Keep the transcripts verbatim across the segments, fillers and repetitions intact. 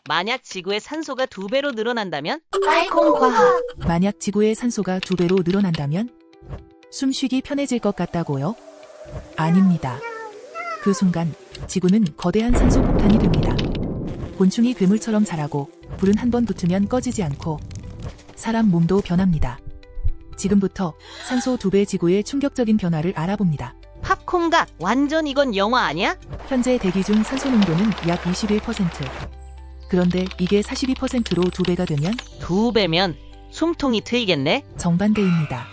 만약 지구의 산소가 두 배로 늘어난다면? 알콩과 만약 지구의 산소가 두 배로 늘어난다면? 숨쉬기 편해질 것 같다고요? 아닙니다. 그 순간 지구는 거대한 산소 폭탄이 됩니다. 곤충이 괴물처럼 자라고 불은 한 번 붙으면 꺼지지 않고 사람 몸도 변합니다. 지금부터 산소 두 배 지구의 충격적인 변화를 알아봅니다. 팝콘각 완전 이건 영화 아니야? 현재 대기 중 산소 농도는 약 이십일 퍼센트. 그런데 이게 사십이 퍼센트로 두 배가 되면 두 배면 숨통이 트이겠네? 정반대입니다.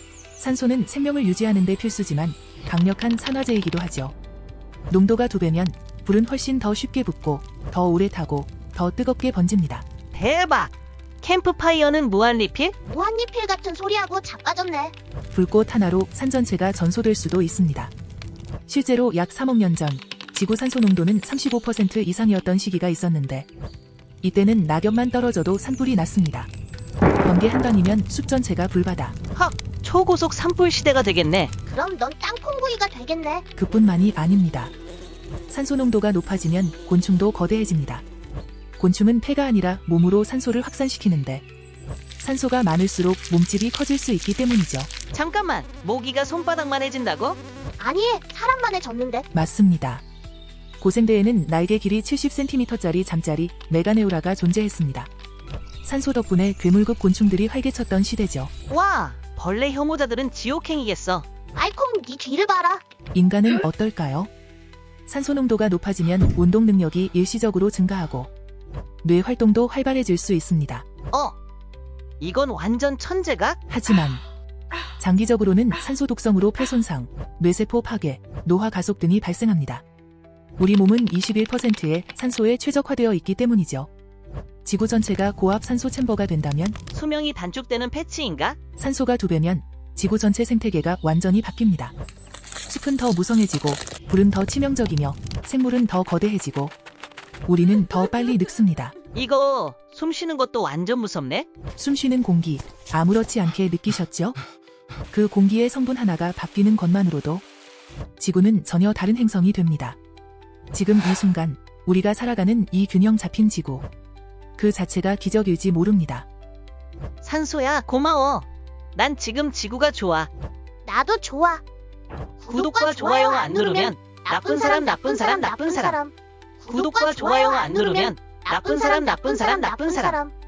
산소는 생명을 유지하는 데 필수지만 강력한 산화제이기도 하죠. 농도가 두 배면 불은 훨씬 더 쉽게 붙고 더 오래 타고 더 뜨겁게 번집니다. 대박! 캠프파이어는 무한리필? 무한리필 같은 소리하고 자빠졌네. 불꽃 하나로 산 전체가 전소될 수도 있습니다. 실제로 약 삼억 년 전 지구 산소 농도는 삼십오 퍼센트 이상이었던 시기가 있었는데 이때는 낙엽만 떨어져도 산불이 났습니다. 번개 한 방이면 숲 전체가 불바다. 헉! 초고속 산불 시대가 되겠네. 그럼 넌 땅콩구이가 되겠네. 그뿐만이 아닙니다. 산소 농도가 높아지면 곤충도 거대해집니다. 곤충은 폐가 아니라 몸으로 산소를 확산시키는데 산소가 많을수록 몸집이 커질 수 있기 때문이죠. 잠깐만, 모기가 손바닥만 해진다고? 아니, 사람만에 졌는데. 맞습니다. 고생대에는 날개 길이 칠십 센티미터짜리 잠자리 메가네우라가 존재했습니다. 산소 덕분에 괴물급 곤충들이 활개쳤던 시대죠. 와, 벌레 혐오자들은 지옥행이겠어. 알콩, 네 뒤를 봐라. 인간은 어떨까요? 산소 농도가 높아지면 운동 능력이 일시적으로 증가하고 뇌 활동도 활발해질 수 있습니다. 어? 이건 완전 천재각? 하지만 장기적으로는 산소 독성으로 폐 손상, 뇌세포 파괴, 노화 가속 등이 발생합니다. 우리 몸은 이십일 퍼센트의 산소에 최적화되어 있기 때문이죠. 지구 전체가 고압 산소 챔버가 된다면 수명이 단축되는 패치인가? 산소가 두 배면 지구 전체 생태계가 완전히 바뀝니다. 숲은 더 무성해지고 불은 더 치명적이며 생물은 더 거대해지고 우리는 더 빨리 늙습니다. 이거 숨 쉬는 것도 완전 무섭네? 숨쉬는 공기 아무렇지 않게 느끼셨죠? 그 공기의 성분 하나가 바뀌는 것만으로도 지구는 전혀 다른 행성이 됩니다. 지금 이 순간 우리가 살아가는 이 균형 잡힌 지구 그 자체가 기적일지 모릅니다. 산소야, 고마워. 난 지금 지구가 좋아. 나도 좋아. 구독과 좋아요가 안 누르면 나쁜 사람, 나쁜 사람, 나쁜 사람. 구독과 좋아요가 안 누르면 나쁜 사람, 나쁜 사람, 나쁜 사람.